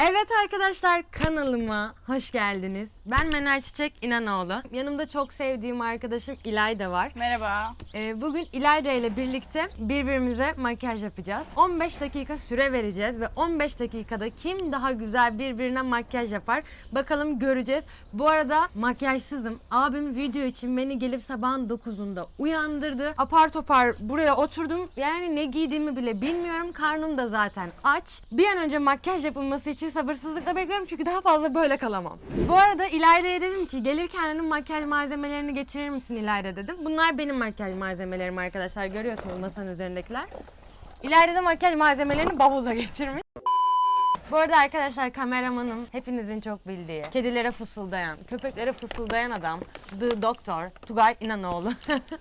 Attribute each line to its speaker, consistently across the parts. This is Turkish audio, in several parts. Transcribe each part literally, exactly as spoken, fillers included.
Speaker 1: Evet arkadaşlar, kanalıma hoş geldiniz. Ben Menel Çiçek İnanoğlu. Yanımda çok sevdiğim arkadaşım İlayda var.
Speaker 2: Merhaba.
Speaker 1: Ee, bugün İlayda ile birlikte birbirimize makyaj yapacağız. on beş dakika süre vereceğiz ve on beş dakikada kim daha güzel birbirine makyaj yapar bakalım göreceğiz. Bu arada makyajsızım. Abim video için beni gelip sabahın dokuzunda uyandırdı. Apar topar buraya oturdum. Yani ne giydiğimi bile bilmiyorum. Karnım da zaten aç. Bir an önce makyaj yapılması için sabırsızlıkla bekliyorum çünkü daha fazla böyle kalamam. Bu arada İlayda'ya dedim ki gelirken hanım makyaj malzemelerini getirir misin İlayda dedim. Bunlar benim makyaj malzemelerim arkadaşlar. Görüyorsunuz masanın üzerindekiler. İlayda da makyaj malzemelerini bavula getirmiş. Bu arada arkadaşlar kameramanım hepinizin çok bildiği, kedilere fısıldayan, köpeklere fısıldayan adam The Doctor Tugay İnanoğlu.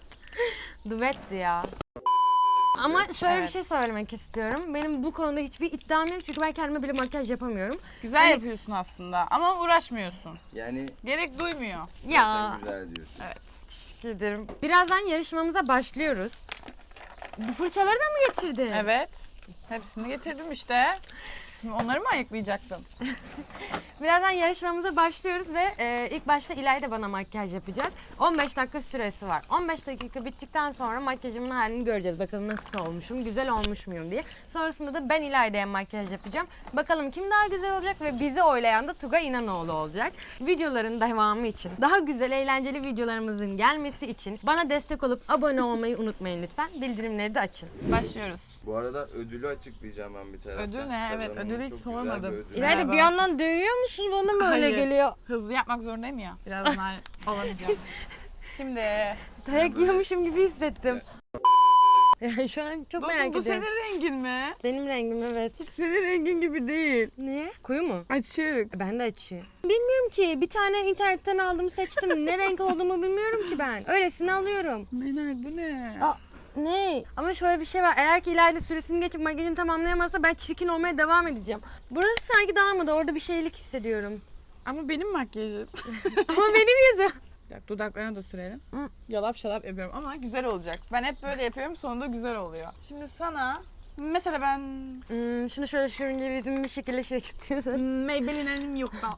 Speaker 1: Duetti ya. Ama şöyle
Speaker 2: Evet.
Speaker 1: bir şey söylemek istiyorum. Benim bu konuda hiçbir iddiam yok çünkü ben kendime bile makyaj yapamıyorum.
Speaker 2: Güzel
Speaker 1: Hani-
Speaker 2: yapıyorsun aslında ama uğraşmıyorsun.
Speaker 3: Yani
Speaker 2: Gerek duymuyor.
Speaker 1: Ya.
Speaker 3: güzel diyorsun.
Speaker 2: Evet.
Speaker 1: Teşekkür ederim. Birazdan yarışmamıza başlıyoruz. Bu fırçaları da mı getirdin?
Speaker 2: Evet. Hepsini getirdim işte. Şimdi onları mı ayıklayacaktım?
Speaker 1: Birazdan yarışmamıza başlıyoruz ve e, ilk başta İlayda bana makyaj yapacak. on beş dakika süresi var. on beş dakika bittikten sonra makyajımın halini göreceğiz. Bakalım nasıl olmuşum, güzel olmuş muyum diye. Sonrasında da ben İlayda'ya makyaj yapacağım. Bakalım kim daha güzel olacak ve bizi oylayan da Tugay İnanoğlu olacak. Videoların devamı için, daha güzel eğlenceli videolarımızın gelmesi için bana destek olup abone olmayı unutmayın lütfen. Bildirimleri de açın.
Speaker 2: Başlıyoruz.
Speaker 3: Bu arada ödülü açıklayacağım ben bir taraftan.
Speaker 2: Ödül ne? Evet,
Speaker 3: Kazananın
Speaker 2: ödülü hiç
Speaker 3: çok güzel
Speaker 2: sormadım.
Speaker 3: bir ödülü
Speaker 1: İlayda
Speaker 2: Merhaba.
Speaker 1: bir yandan dövüyor musun? Bana mı öyle
Speaker 2: Hayır.
Speaker 1: geliyor?
Speaker 2: Hızlı yapmak zorundayım ya. Birazdan olamayacağım. Şimdi.
Speaker 1: Dayak yiyormuşum gibi hissettim. Yani şu an çok merak
Speaker 2: Dostum bu
Speaker 1: ediyorum.
Speaker 2: senin rengin mi?
Speaker 1: Benim rengim evet.
Speaker 2: Senin rengin gibi değil.
Speaker 1: Niye? Koyu mu?
Speaker 2: Açık.
Speaker 1: Ben de açıyor. Bilmiyorum ki. Bir tane internetten aldım seçtim. Ne renk olduğumu bilmiyorum ki ben. Öylesini alıyorum.
Speaker 2: Menel bu ne?
Speaker 1: Aa, ne? Ama şöyle bir şey var. Eğer ki İlayda süresini geçip makyajını tamamlayamazsa ben çirkin olmaya devam edeceğim. Burası sanki dağılmadı. Orada bir şeylik hissediyorum.
Speaker 2: Ama benim makyajım.
Speaker 1: Ama benim yüzüm.
Speaker 2: Bak dudaklarına da sürelim.
Speaker 1: Hı.
Speaker 2: Yalap şalap yapıyorum ama güzel olacak. Ben hep böyle yapıyorum sonunda güzel oluyor. Şimdi sana mesela ben
Speaker 1: Hmm, şunu şöyle sürünce yüzüm bir şekilde şey çıkıyor.
Speaker 2: Maybelline'in yoktan.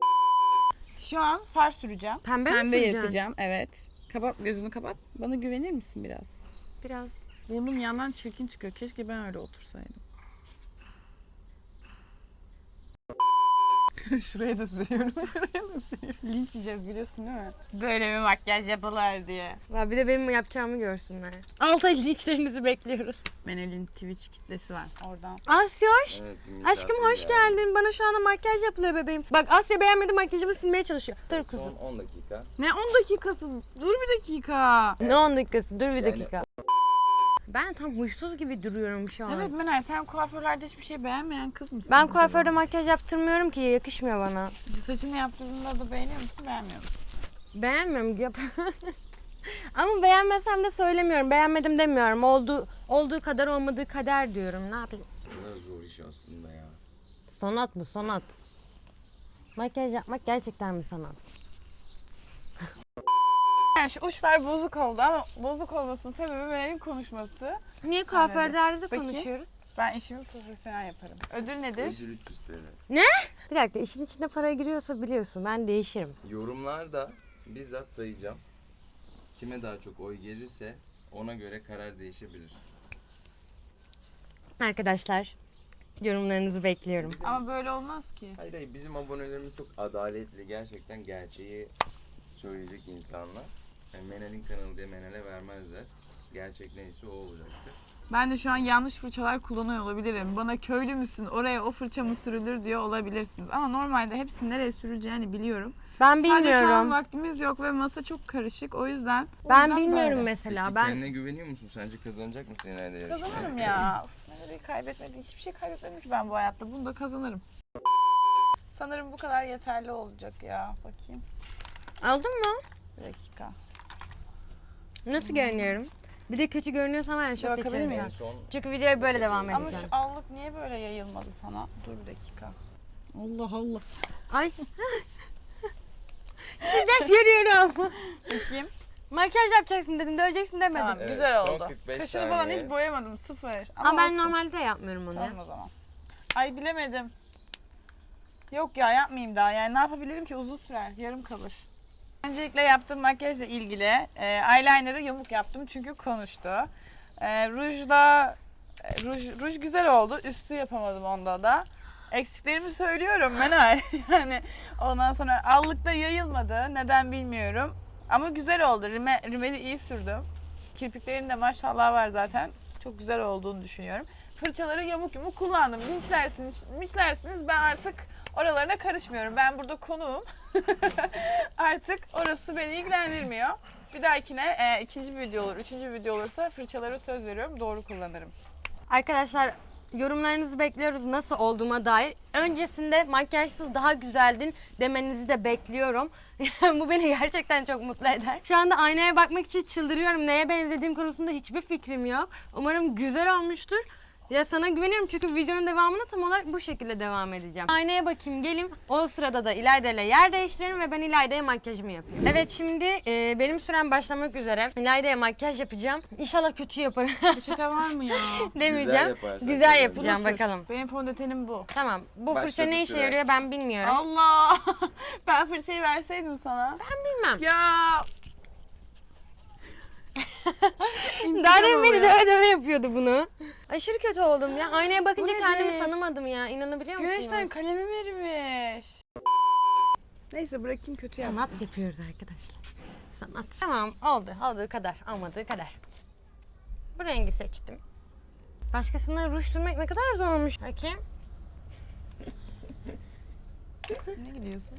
Speaker 2: Şu an far süreceğim.
Speaker 1: Pembe mi
Speaker 2: Pembe
Speaker 1: süreceksin?
Speaker 2: yapacağım evet. Kapat gözünü kapat. Bana güvenir misin biraz?
Speaker 1: Biraz.
Speaker 2: Burnum yandan çirkin çıkıyor. Keşke ben öyle otursaydım. Şuraya da sürüyorum, şuraya da sürüyorum. Linç yiyeceğiz biliyorsun değil mi? Böyle bir makyaj yapılır diye.
Speaker 1: Ya bir de benim yapacağımı görsünler. Altı ay linçlerinizi bekliyoruz.
Speaker 2: Menel'in Twitch kitlesi var oradan.
Speaker 1: Asyoş.
Speaker 3: Evet, bir
Speaker 1: Aşkım
Speaker 3: misafir
Speaker 1: hoş
Speaker 3: geldi.
Speaker 1: geldin. Bana şu anda makyaj yapılıyor bebeğim. Bak Asya beğenmedi makyajımı silmeye çalışıyor. Dur kuzum.
Speaker 3: Son on dakika.
Speaker 2: Ne on dakikası? Dur bir dakika.
Speaker 1: Ne on dakikası? Dur bir
Speaker 3: Yani-
Speaker 1: dakika. Ben tam huysuz gibi duruyorum şu an.
Speaker 2: Evet Menel sen kuaförlerde hiçbir şey beğenmeyen kız mısın?
Speaker 1: Ben
Speaker 2: acaba?
Speaker 1: kuaförde makyaj yaptırmıyorum ki. Yakışmıyor bana.
Speaker 2: Saçını yaptırdığında da beğeniyor musun beğenmiyor musun?
Speaker 1: Beğenmiyorum. Yap. Ama beğenmesem de söylemiyorum. Beğenmedim demiyorum. Olduğu, olduğu kadar olmadığı kader diyorum. Ne yapayım?
Speaker 3: Ne kadar zor iş aslında ya.
Speaker 1: Sanat mı? Sanat. Makyaj yapmak gerçekten bir sanat.
Speaker 2: Yani şu uçlar bozuk oldu ama bozuk olmasının sebebi Menel'in konuşması.
Speaker 1: Niye kuaförlerde
Speaker 2: Peki.
Speaker 1: konuşuyoruz?
Speaker 2: Ben işimi profesyonel yaparım. Ödül nedir?
Speaker 3: Ödül üç yüz T L.
Speaker 1: Bir dakika işin içinde para giriyorsa biliyorsun ben değişirim.
Speaker 3: Yorumlarda bizzat sayacağım. Kime daha çok oy gelirse ona göre karar değişebilir.
Speaker 1: Arkadaşlar yorumlarınızı bekliyorum.
Speaker 3: Bizim,
Speaker 2: Ama böyle olmaz ki.
Speaker 3: hayır hayır bizim abonelerimiz çok adaletli. Gerçekten gerçeği söyleyecek insanlar. Yani Menel'in kanalı diye Menel'e vermezler. Gerçek neyse o olacaktır.
Speaker 2: Ben de şu an yanlış fırçalar kullanıyor olabilirim. Bana köylü müsün, oraya o fırça mı sürülür diyor olabilirsiniz. Ama normalde hepsinin nereye sürüleceğini biliyorum.
Speaker 1: Ben
Speaker 2: Sadece şu an
Speaker 1: bilmiyorum.
Speaker 2: vaktimiz yok ve masa çok karışık. O yüzden o
Speaker 1: Ben
Speaker 2: yüzden
Speaker 1: bilmiyorum
Speaker 2: böyle.
Speaker 1: mesela.
Speaker 3: Peki
Speaker 1: Ben
Speaker 3: kendine güveniyor musun? Sence kazanacak mısın ileride yarışmayı?
Speaker 2: Kazanırım ya. Uf, Menel'i kaybetmedim. Hiçbir şey kaybetmedim ki ben bu hayatta. Bunu da kazanırım. Sanırım bu kadar yeterli olacak ya. Bakayım.
Speaker 1: aldın mı?
Speaker 2: Bir dakika.
Speaker 1: Nasıl görünüyorum? Bir de kötü görünüyorsam ben şok
Speaker 2: bakabilir
Speaker 1: geçerim.
Speaker 2: miyim?
Speaker 3: En son
Speaker 1: Çünkü videoya böyle devam
Speaker 2: Ama
Speaker 1: edeceğim.
Speaker 2: şu allık niye böyle yayılmadı sana? Dur bir dakika. Allah Allah.
Speaker 1: Ay. Şiddet görüyorum.
Speaker 2: Bakayım.
Speaker 1: Makyaj yapacaksın dedim, döveceksin demedim.
Speaker 2: Tamam
Speaker 3: Evet,
Speaker 2: güzel
Speaker 3: son
Speaker 2: oldu.
Speaker 3: kırk beş
Speaker 2: Kaşını falan
Speaker 3: saniye.
Speaker 2: hiç boyamadım sıfır. Ama,
Speaker 1: Ama ben
Speaker 2: olsun.
Speaker 1: normalde yapmıyorum onu.
Speaker 2: Tamam o zaman. Ay bilemedim. Yok ya yapmayayım daha. Yani ne yapabilirim ki, uzun sürer. Yarım kalır. Öncelikle yaptığım makyajla ilgili e, eyeliner'ı yamuk yaptım çünkü konuştu. E, rujda e, ruj, ruj güzel oldu. Üstü yapamadım onda da. Eksiklerimi söylüyorum Menay. Yani ondan sonra allıkta yayılmadı. Neden bilmiyorum. Ama güzel oldu. Rime, rimeli iyi sürdüm. Kirpiklerin de maşallah var zaten. Çok güzel olduğunu düşünüyorum. Fırçaları yamuk yumuk kullandım. Linçlersiniz, linçlersiniz. Ben artık oralarına karışmıyorum. Ben burada konuğum. Artık orası beni ilgilendirmiyor. Bir dahakine e, ikinci bir video olur, üçüncü bir video olursa fırçaları söz veriyorum doğru kullanırım.
Speaker 1: Arkadaşlar yorumlarınızı bekliyoruz nasıl olduğuma dair. Öncesinde makyajsız daha güzeldin demenizi de bekliyorum. Bu beni gerçekten çok mutlu eder. Şu anda aynaya bakmak için çıldırıyorum. Neye benzediğim konusunda hiçbir fikrim yok. Umarım güzel olmuştur. Ya sana güveniyorum çünkü videonun devamını tam olarak bu şekilde devam edeceğim. Aynaya bakayım gelin. O sırada da İlayda ile yer değiştirelim ve ben İlayda'ya makyajımı yapayım. Evet şimdi e, benim sürem başlamak üzere. İlayda'ya makyaj yapacağım. İnşallah kötü yaparım.
Speaker 2: Peçete var mı ya?
Speaker 1: Demeyeceğim.
Speaker 3: yaparsan
Speaker 1: Güzel
Speaker 3: tabii.
Speaker 1: yapacağım
Speaker 2: Bunu sür.
Speaker 1: bakalım.
Speaker 2: Benim fondötenim bu.
Speaker 1: Tamam. Bu fırça
Speaker 3: Başladı
Speaker 1: ne işe
Speaker 3: süre.
Speaker 1: yarıyor ben bilmiyorum.
Speaker 2: Allah! Ben fırçayı verseydim sana.
Speaker 1: Bilmem.
Speaker 2: Ya
Speaker 1: Daha demin beni
Speaker 2: oluyor.
Speaker 1: döve döve yapıyordu bunu. Aşırı kötü oldum ya. Aynaya bakınca
Speaker 2: Bu
Speaker 1: kendimi
Speaker 2: nedir?
Speaker 1: tanımadım ya. İnanabiliyor musunuz?
Speaker 2: güneşten kalemi vermiş. Neyse bırakayım kötü yapsın.
Speaker 1: Sanat yapıyoruz arkadaşlar. Sanat. Tamam oldu. Olduğu kadar. Olmadığı kadar. Bu rengi seçtim. Başkasına ruj sürmek ne kadar zormuş. Bakayım.
Speaker 2: Ne gidiyorsun?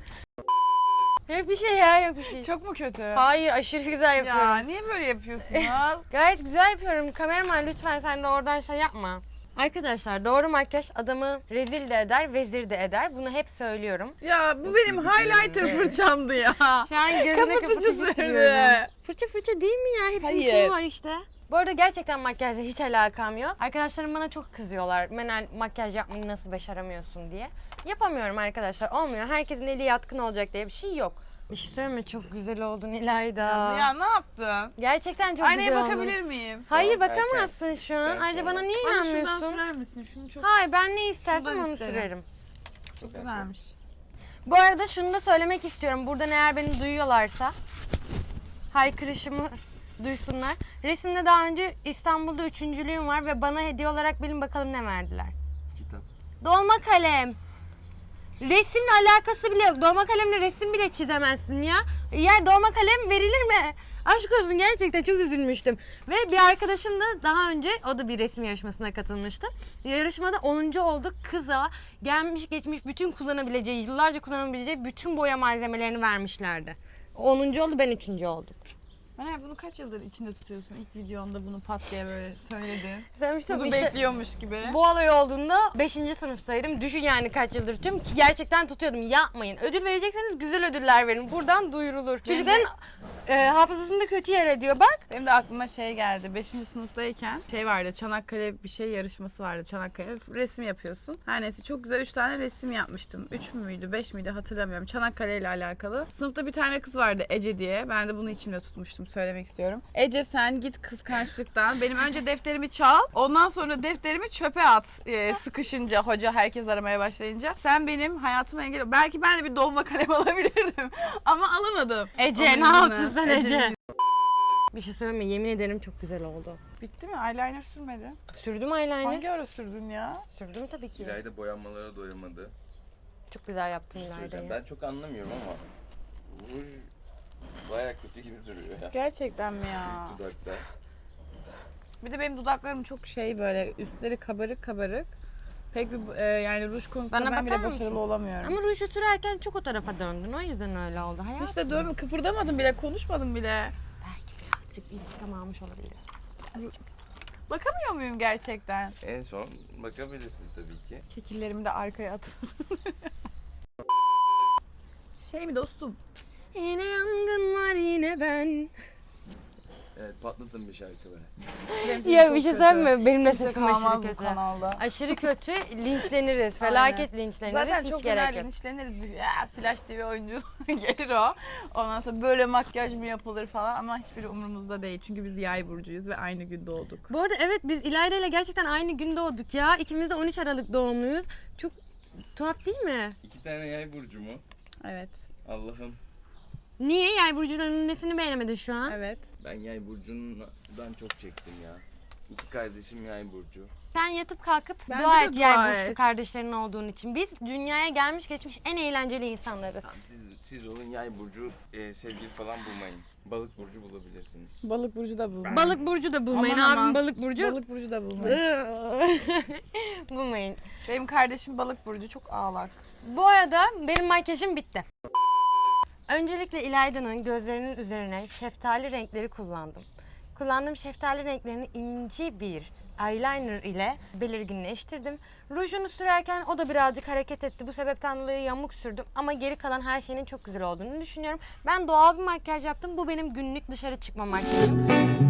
Speaker 1: Yok bir şey ya yok bir şey.
Speaker 2: Çok mu kötü?
Speaker 1: Hayır aşırı güzel yapıyorum.
Speaker 2: Ya niye böyle yapıyorsunuz?
Speaker 1: Gayet güzel yapıyorum. Kameraman lütfen sen de oradan şey yapma. Arkadaşlar doğru makyaj adamı rezil de eder, vezir de eder. Bunu hep söylüyorum.
Speaker 2: Ya bu benim highlighter fırçamdı ya.
Speaker 1: Şu an gözüne
Speaker 2: Kapatıcı
Speaker 1: kapatıcı
Speaker 2: sürdü.
Speaker 1: sürüyorum. Fırça fırça değil mi ya? Hepsinin
Speaker 2: Hayır.
Speaker 1: kimi var işte. Bu arada gerçekten makyajla hiç alakam yok. Arkadaşlarım bana çok kızıyorlar. Menel makyaj yapmayı nasıl başaramıyorsun diye. Yapamıyorum arkadaşlar. Olmuyor. Herkesin eli yatkın olacak diye bir şey yok. Bir şey söyleme çok güzel oldun İlayda.
Speaker 2: Ya ne yaptın?
Speaker 1: Gerçekten çok
Speaker 2: Aynaya
Speaker 1: güzel
Speaker 2: bakabilir
Speaker 1: oldun.
Speaker 2: miyim?
Speaker 1: Hayır
Speaker 3: Tamam,
Speaker 1: bakamazsın şu an.
Speaker 3: Ben
Speaker 1: Ayrıca bana
Speaker 3: sonra-
Speaker 1: niye
Speaker 2: Bana şuradan
Speaker 1: inanmıyorsun?
Speaker 2: sürer misin? Şunu çok
Speaker 1: Hayır ben ne istersem
Speaker 2: Şundan
Speaker 1: onu
Speaker 2: isterim.
Speaker 1: sürerim.
Speaker 2: çok güzelmiş.
Speaker 1: Bu arada şunu da söylemek istiyorum. Buradan eğer beni duyuyorlarsa haykırışımı duysunlar. Resimde daha önce İstanbul'da üçüncülüğüm var ve bana hediye olarak bilin bakalım ne verdiler.
Speaker 3: Kitap.
Speaker 1: Dolma kalem. Resimle alakası bile yok. Dolma kalemle resim bile çizemezsin ya. Ya dolma kalem verilir mi? Aşk olsun gerçekten çok üzülmüştüm. Ve bir arkadaşım da daha önce o da bir resim yarışmasına katılmıştı. Yarışmada onuncu oldu. Kıza gelmiş geçmiş bütün kullanabileceği, yıllarca kullanabileceği bütün boya malzemelerini vermişlerdi. onuncu oldu ben üçüncü oldum.
Speaker 2: Meral bunu kaç yıldır içinde tutuyorsun? İlk videonda bunu pat diye böyle söyledin.
Speaker 1: Sevmiştim
Speaker 2: Bunu
Speaker 1: işte.
Speaker 2: bekliyormuş gibi.
Speaker 1: Bu olay olduğunda beşinci sınıftaydım. Düşün yani kaç yıldır tutuyorum ki gerçekten tutuyordum. Yapmayın. Ödül verecekseniz güzel ödüller verin. Buradan duyurulur. Çocukların e, hafızasında kötü yer ediyor bak.
Speaker 2: Benim de aklıma şey geldi. beşinci sınıftayken şey vardı. Çanakkale bir şey yarışması vardı. Çanakkale resim yapıyorsun. Her neyse çok güzel üç tane resim yapmıştım. üç müydü beş miydi hatırlamıyorum. Çanakkale ile alakalı. Sınıfta bir tane kız vardı Ece diye. Ben de bunu içimde tutmuştum. Söylemek istiyorum. Ece sen git kıskançlıktan. Benim önce defterimi çal. Ondan sonra defterimi çöpe at. Ee, sıkışınca hoca herkes aramaya başlayınca. Sen benim hayatıma engel. Belki ben de bir dolma kalem alabilirdim. Ama alamadım.
Speaker 1: Ece
Speaker 2: Onun
Speaker 1: ne yaptın
Speaker 2: yüzünden.
Speaker 1: sen Ece?
Speaker 2: Ece'nin-
Speaker 1: Bir şey söyleme yemin ederim çok güzel oldu.
Speaker 2: Bitti mi? Eyeliner sürmedi.
Speaker 1: Sürdüm eyeliner.
Speaker 2: Hangi ara sürdün ya?
Speaker 1: Sürdüm tabii ki.
Speaker 3: İlayda boyanmalara doyamadı.
Speaker 1: Çok güzel yaptım
Speaker 3: Bir şey söyleyeceğim.
Speaker 1: İlayda'yı.
Speaker 3: Ben çok anlamıyorum ama ruj baya kötü gibi duruyor ya.
Speaker 2: Gerçekten mi ya?
Speaker 3: Dudakta.
Speaker 2: Bir de benim dudaklarım çok şey böyle üstleri kabarık kabarık. Pek bir e, yani ruj konusunda
Speaker 1: Bana
Speaker 2: ben
Speaker 1: bakar
Speaker 2: bile
Speaker 1: mısın?
Speaker 2: başarılı olamıyorum.
Speaker 1: Ama ruju sürerken çok o tarafa döndün. O yüzden öyle oldu hayatım.
Speaker 2: İşte dövme kıpırdamadım bile, konuşmadım bile.
Speaker 1: Belki birazcık intikam almış olabilir.
Speaker 2: Bakamıyor muyum gerçekten?
Speaker 3: En son bakabilirsin tabii ki.
Speaker 2: Kekillerimi de arkaya atıyorum. Şey mi dostum?
Speaker 1: Yine yangın var yine ben.
Speaker 3: Evet patlatın bir şarkı be.
Speaker 2: Benim sesim
Speaker 1: Ya
Speaker 2: çok
Speaker 1: bir şey
Speaker 2: kötü.
Speaker 1: söyleyeyim mi? Benim de
Speaker 2: Kimse
Speaker 1: sesim
Speaker 2: kalmaz
Speaker 1: aşırı
Speaker 2: bu
Speaker 1: kötü.
Speaker 2: kanalda.
Speaker 1: Aşırı kötü linçleniriz. Felaket linçleniriz.
Speaker 2: Zaten
Speaker 1: Hiç
Speaker 2: çok
Speaker 1: gerek
Speaker 2: genel
Speaker 1: yok.
Speaker 2: linçleniriz. Bir, ya, Flash T V oyuncu gelir o. Ondan sonra böyle makyaj mı yapılır falan ama hiçbiri umurumuzda değil. Çünkü biz yay burcuyuz ve aynı gün doğduk.
Speaker 1: Bu arada evet biz İlayda ile gerçekten aynı gün doğduk ya. İkimiz de on üç Aralık doğumluyuz. Çok Tuhaf değil mi?
Speaker 3: İki tane yay burcu mu?
Speaker 2: Evet.
Speaker 3: Allah'ım.
Speaker 1: Niye yay burcunun nesini beğenemedin şu an?
Speaker 2: Evet.
Speaker 3: Ben yay burcundan çok çektim ya. İki kardeşim yay burcu.
Speaker 1: Sen yatıp kalkıp
Speaker 2: Bence
Speaker 1: dua
Speaker 2: de
Speaker 1: et
Speaker 2: dua
Speaker 1: yay
Speaker 2: et.
Speaker 1: burçlu kardeşlerin olduğun için. Biz dünyaya gelmiş geçmiş en eğlenceli insanlarız.
Speaker 3: Tamam, siz, siz olun yay burcu e, sevgili falan bulmayın. Balık burcu bulabilirsiniz.
Speaker 2: Balık burcu da bulmayın.
Speaker 1: Balık burcu da bulmayın.
Speaker 2: Aman
Speaker 1: Abim
Speaker 2: aman.
Speaker 1: balık burcu.
Speaker 2: Balık burcu da bulmayın.
Speaker 1: bulmayın.
Speaker 2: Benim kardeşim balık burcu çok ağlak.
Speaker 1: Bu arada benim makyajım bitti. Öncelikle İlayda'nın gözlerinin üzerine şeftali renkleri kullandım. Kullandığım şeftali renklerini ince bir eyeliner ile belirginleştirdim. Rujunu sürerken o da birazcık hareket etti. Bu sebepten dolayı yamuk sürdüm ama geri kalan her şeyin çok güzel olduğunu düşünüyorum. Ben doğal bir makyaj yaptım. Bu benim günlük dışarı çıkma makyajım.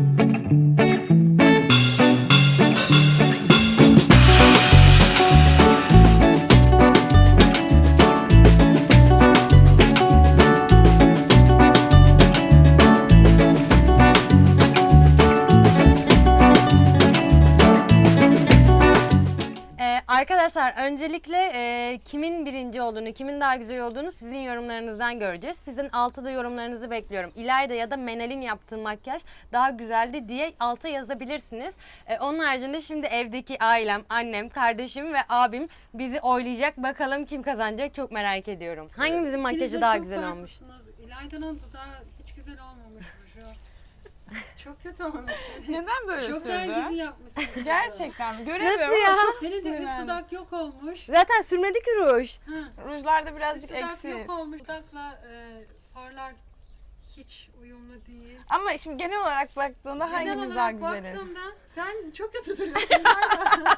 Speaker 1: Ee, arkadaşlar öncelikle e, kimin birinci olduğunu, kimin daha güzel olduğunu sizin yorumlarınızdan göreceğiz. Sizin altta da yorumlarınızı bekliyorum. İlayda ya da Menel'in yaptığı makyaj daha güzeldi diye alta yazabilirsiniz. Ee, onun haricinde şimdi evdeki ailem, annem, kardeşim ve abim bizi oylayacak. Bakalım kim kazanacak çok merak ediyorum. Hangimizin makyajı
Speaker 4: İkiniz de
Speaker 1: daha
Speaker 4: çok
Speaker 1: güzel olmuş?
Speaker 4: farklısınız. İlayda'nın dudağı hiç güzel olmamış bu şu. Çok kötü olmuş.
Speaker 2: Neden böyle
Speaker 4: Çok
Speaker 2: sürdü?
Speaker 4: der gibi yapmışsın.
Speaker 2: Gerçekten mi? Göremiyorum
Speaker 1: Nasıl ya?
Speaker 2: ama çok
Speaker 4: Senin de üst
Speaker 2: sinirlendim.
Speaker 4: dudak yok olmuş.
Speaker 1: Zaten sürmedi ki ruj.
Speaker 4: Ha.
Speaker 2: Rujlarda
Speaker 4: Üst
Speaker 2: birazcık
Speaker 4: dudak
Speaker 2: eksik.
Speaker 4: yok olmuş. Dudakla e, farlar hiç uyumlu değil.
Speaker 2: Ama şimdi genel olarak baktığında
Speaker 4: Genel
Speaker 2: hangimiz daha
Speaker 4: olarak
Speaker 2: güzeliz?
Speaker 4: baktığımda sen çok kötü duruyorsun. İlayda.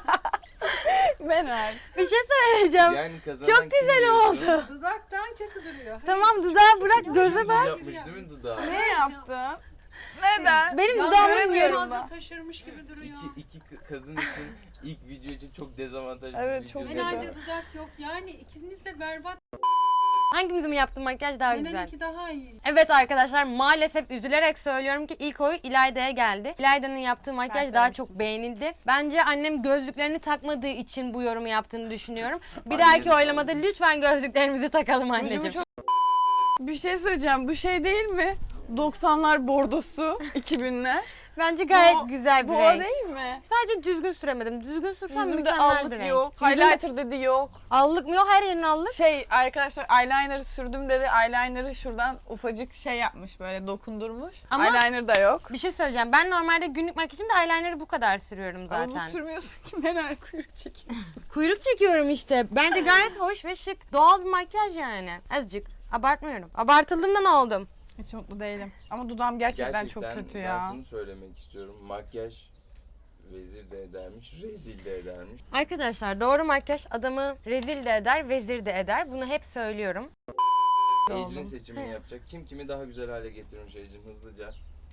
Speaker 2: Meral.
Speaker 1: Bir şey söyleyeceğim.
Speaker 3: Yani kazanan
Speaker 1: Çok
Speaker 3: kim
Speaker 1: güzel
Speaker 3: diyorsun?
Speaker 1: oldu.
Speaker 4: Dudaktan kötü duruyor.
Speaker 1: Tamam dudağı bırak göze
Speaker 3: Düz
Speaker 1: bak.
Speaker 3: yapmış değil mi dudağı?
Speaker 2: Ne yaptın? Neden?
Speaker 1: Benim
Speaker 4: Ya
Speaker 1: dudağımı
Speaker 2: göremiyorum
Speaker 1: görüyorum.
Speaker 2: ben.
Speaker 4: fazla taşırmış gibi duruyor.
Speaker 3: İki, iki kı- kadın için ilk video için çok dezavantajlı
Speaker 2: Evet,
Speaker 3: bir
Speaker 2: çok
Speaker 3: video.
Speaker 2: kötü.
Speaker 4: Genelde dudak yok. Yani ikiniz de berbat.
Speaker 1: Hangimizin yaptığı makyaj daha güzel?
Speaker 4: Benimki daha iyi.
Speaker 1: Evet arkadaşlar maalesef üzülerek söylüyorum ki ilk oy İlayda'ya geldi. İlayda'nın yaptığı makyaj daha
Speaker 2: söylemiştim.
Speaker 1: çok beğenildi. Bence annem gözlüklerini takmadığı için bu yorumu yaptığını düşünüyorum. Bir
Speaker 3: Annem
Speaker 1: dahaki
Speaker 3: sağ
Speaker 1: oylamada
Speaker 3: olsun.
Speaker 1: lütfen gözlüklerimizi takalım
Speaker 2: Rujumu
Speaker 1: anneciğim.
Speaker 2: çok... Bir şey söyleyeceğim. Bu şey değil mi? doksanlar bordosu, iki binler.
Speaker 1: Bence gayet
Speaker 2: Bu-
Speaker 1: güzel bir
Speaker 2: Bu o
Speaker 1: renk.
Speaker 2: değil mi?
Speaker 1: Sadece düzgün süremedim. Düzgün sürsem
Speaker 2: Yüzümde
Speaker 1: mükemmel bir
Speaker 2: allık
Speaker 1: renk.
Speaker 2: yok.
Speaker 1: Yüzümde
Speaker 2: Highlighter dedi yok.
Speaker 1: allık mı yok? Her yerin allık.
Speaker 2: Şey arkadaşlar eyeliner sürdüm dedi. Eyeliner'ı şuradan ufacık şey yapmış böyle dokundurmuş.
Speaker 1: Ama-
Speaker 2: Eyeliner da yok.
Speaker 1: Bir şey söyleyeceğim. Ben normalde günlük makyajımda eyeliner'ı bu kadar sürüyorum
Speaker 2: Ama
Speaker 1: zaten.
Speaker 2: bu sürmüyorsun ki Meral kuyruk çekiyor.
Speaker 1: Kuyruk çekiyorum işte. Bence gayet hoş ve şık. Doğal bir makyaj yani. Azıcık. Abartmıyorum. Abartıldığımdan oldum.
Speaker 2: Hiç mutlu değilim. Ama dudağım gerçekten, çok kötü
Speaker 3: ben
Speaker 2: ya.
Speaker 3: şunu söylemek istiyorum. Makyaj vezir de edermiş, rezil de edermiş.
Speaker 1: Arkadaşlar doğru makyaj adamı rezil de eder, vezir de eder. Bunu hep söylüyorum.
Speaker 3: Ecrin seçimini yapacak. Kim kimi daha güzel hale getirmiş Ecrin hızlıca.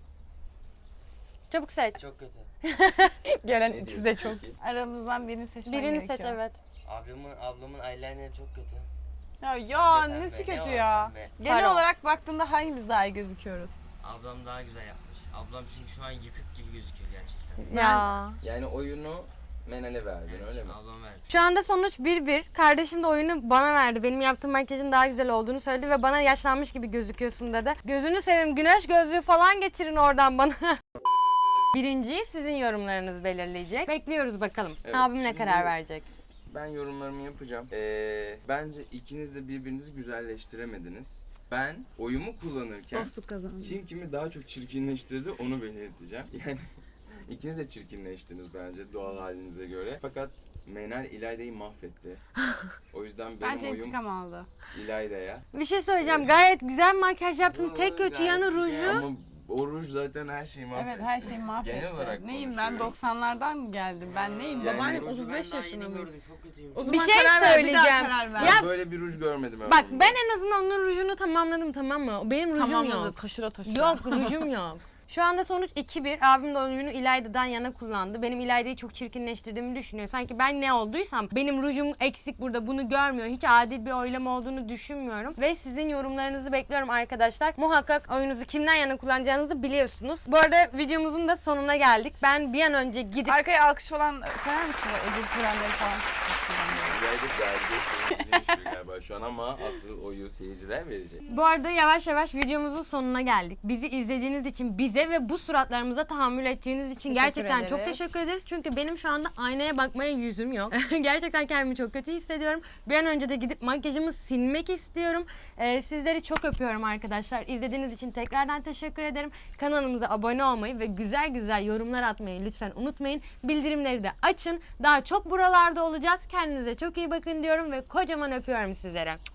Speaker 1: Çabuk seç.
Speaker 5: Çok kötü.
Speaker 2: Gelen
Speaker 3: Ne
Speaker 2: ikisi de
Speaker 3: diyorsun
Speaker 2: çok.
Speaker 3: peki?
Speaker 2: Aramızdan birini seçmen
Speaker 1: Birini
Speaker 2: gerekiyor.
Speaker 1: seç evet.
Speaker 5: Ablamın ablamın eyelinerı çok kötü.
Speaker 2: Ya, ya
Speaker 5: Pembe,
Speaker 2: nesi
Speaker 5: pembe,
Speaker 2: kötü
Speaker 5: ne
Speaker 2: ya.
Speaker 5: var pembe?
Speaker 2: Genel
Speaker 1: Faro.
Speaker 2: olarak baktığında hangimiz daha iyi gözüküyoruz?
Speaker 5: Ablam daha güzel yapmış. Ablam çünkü şu an yıkık gibi gözüküyor gerçekten.
Speaker 1: Ya.
Speaker 3: Yani oyunu Menel'e verdin öyle mi?
Speaker 5: Ablam vermiş.
Speaker 1: Şu anda sonuç bir bir. Kardeşim de oyunu bana verdi. Benim yaptığım makyajın daha güzel olduğunu söyledi ve bana yaşlanmış gibi gözüküyorsun dedi. Gözünü seveyim güneş gözlüğü falan getirin oradan bana. Birinciyi sizin yorumlarınız belirleyecek. Bekliyoruz bakalım.
Speaker 3: Evet,
Speaker 1: Abim ne
Speaker 3: şimdi-
Speaker 1: karar verecek?
Speaker 3: Ben yorumlarımı yapacağım. Ee, bence ikiniz de birbirinizi güzelleştiremediniz. Ben oyumu kullanırken
Speaker 2: Dostluk kazandı.
Speaker 3: kim kimi daha çok çirkinleştirdi onu belirteceğim. Yani ikiniz de çirkinleştiniz bence doğal halinize göre. Fakat Menel İlayda'yı mahvetti. O yüzden benim
Speaker 2: Bence
Speaker 3: oyum
Speaker 2: intikam aldı.
Speaker 3: İlayda'ya.
Speaker 1: Bir şey söyleyeceğim. Gayet güzel makyaj yaptım.
Speaker 3: Yo,
Speaker 1: Tek kötü
Speaker 3: gayet
Speaker 1: yanı
Speaker 3: güzel
Speaker 1: ruju.
Speaker 3: Ama o ruj zaten her şeyi mahvetti.
Speaker 2: Evet her şeyi mahvetti.
Speaker 3: Genel olarak
Speaker 2: neyim ben
Speaker 3: konuşuyorum.
Speaker 2: doksanlardan mı geldim? Ben neyim?
Speaker 3: Yani
Speaker 2: Babaannem
Speaker 3: ruju
Speaker 2: otuz beş
Speaker 5: Ben daha
Speaker 2: yaşında
Speaker 5: yeni
Speaker 2: mı?
Speaker 5: gördüm, çok kötüymüş.
Speaker 2: O
Speaker 1: Bir
Speaker 2: zaman
Speaker 1: şey
Speaker 2: karar ver, bir daha
Speaker 1: söyleyeceğim.
Speaker 2: karar ver.
Speaker 3: Ben
Speaker 1: Ya-
Speaker 3: böyle bir ruj görmedim.
Speaker 1: Bak
Speaker 3: ömrümde.
Speaker 1: ben en azından onun rujunu tamamladım tamam mı? Benim rujum
Speaker 2: Tamamladı
Speaker 1: yok.
Speaker 2: taşıra taşıra.
Speaker 1: Yok rujum yok. Şu anda sonuç iki bir. Abim de oyunu İlayda'dan yana kullandı. Benim İlayda'yı çok çirkinleştirdiğimi düşünüyor. Sanki ben ne olduysam benim rujum eksik burada bunu görmüyor. Hiç adil bir oylama olduğunu düşünmüyorum. Ve sizin yorumlarınızı bekliyorum arkadaşlar. Muhakkak oyunuzu kimden yana kullanacağınızı biliyorsunuz. Bu arada videomuzun da sonuna geldik. Ben bir an önce gidip
Speaker 2: Arkaya alkış falan koyar mısın? Ödül törenleri falan.
Speaker 3: Ya aylık vergi seyirciliği düşüyor galiba şu an ama asıl oyu seyirciler verecek.
Speaker 1: Bu arada yavaş yavaş videomuzun sonuna geldik. Bizi izlediğiniz için, bize ve bu suratlarımıza tahammül ettiğiniz için
Speaker 2: Teşekkür
Speaker 1: gerçekten çok
Speaker 2: ederiz.
Speaker 1: teşekkür ederiz. Çünkü benim şu anda aynaya bakmaya yüzüm yok. Gerçekten kendimi çok kötü hissediyorum. Bir an önce de gidip makyajımı silmek istiyorum. Ee, sizleri çok öpüyorum arkadaşlar. İzlediğiniz için tekrardan teşekkür ederim. Kanalımıza abone olmayı ve güzel güzel yorumlar atmayı lütfen unutmayın. Bildirimleri de açın. Daha çok buralarda olacağız. Kendinize çok iyi bakın diyorum ve kocaman öpüyorum sizlere.